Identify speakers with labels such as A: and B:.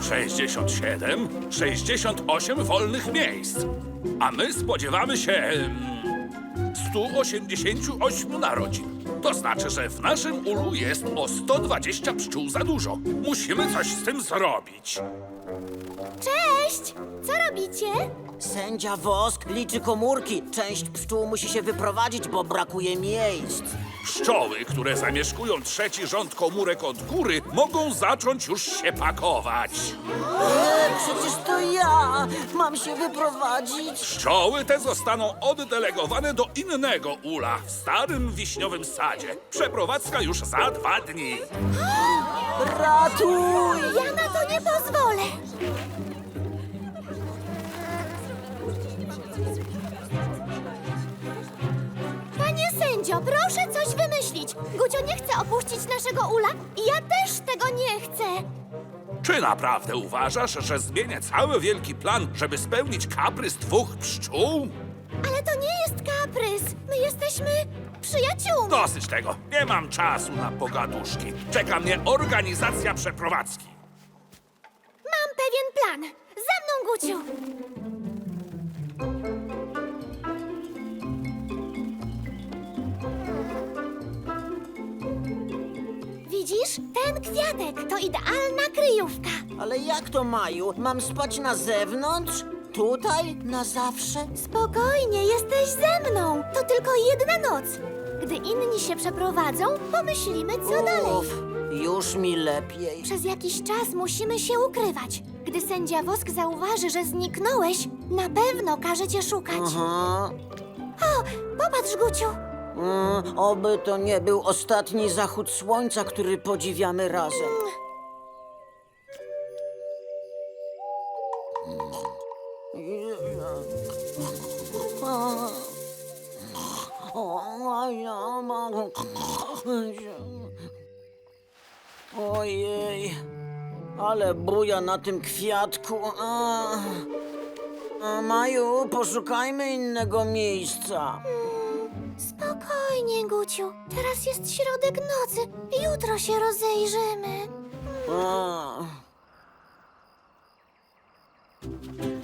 A: 67, 68 wolnych miejsc. A my spodziewamy się 188 narodzin. To znaczy, że w naszym ulu jest o 120 pszczół za dużo. Musimy coś z tym zrobić.
B: Cześć! Co robicie?
C: Sędzia Wosk liczy komórki. Część pszczół musi się wyprowadzić, bo brakuje miejsc.
A: Pszczoły, które zamieszkują trzeci rząd komórek od góry, mogą zacząć już się pakować.
C: Przecież to ja mam się wyprowadzić.
A: Pszczoły te zostaną oddelegowane do innego ula w starym wiśniowym sadzie. Przeprowadzka już za 2 dni.
C: Ratuj!
B: Ja na to nie pozwolę! Panie sędzio, proszę coś wymyślić. Gucio nie chce opuścić naszego ula i ja też tego nie chcę.
A: Czy naprawdę uważasz, że zmienię cały wielki plan, żeby spełnić kaprys 2 pszczół?
B: Ale to nie jest kaprys. My jesteśmy przyjaciółmi.
A: Dosyć tego. Nie mam czasu na pogaduszki. Czeka mnie organizacja przeprowadzki.
B: Mam pewien plan. Za mną, Guciu. Widzisz? Ten kwiatek to idealna kryjówka.
C: Ale jak to, Maju? Mam spać na zewnątrz? Tutaj? Na zawsze?
B: Spokojnie, jesteś ze mną. To tylko jedna noc. Gdy inni się przeprowadzą, pomyślimy, co dalej.
C: Uff, już mi lepiej.
B: Przez jakiś czas musimy się ukrywać. Gdy sędzia Wosk zauważy, że zniknąłeś, na pewno każe cię szukać.
C: Aha.
B: O, popatrz, Guciu.
C: Oby to nie był ostatni zachód słońca, który podziwiamy razem. Ojej, ale buja na tym kwiatku. Maju, poszukajmy innego miejsca.
B: Spokojnie, Guciu. Teraz jest środek nocy. Jutro się rozejrzymy.
C: A.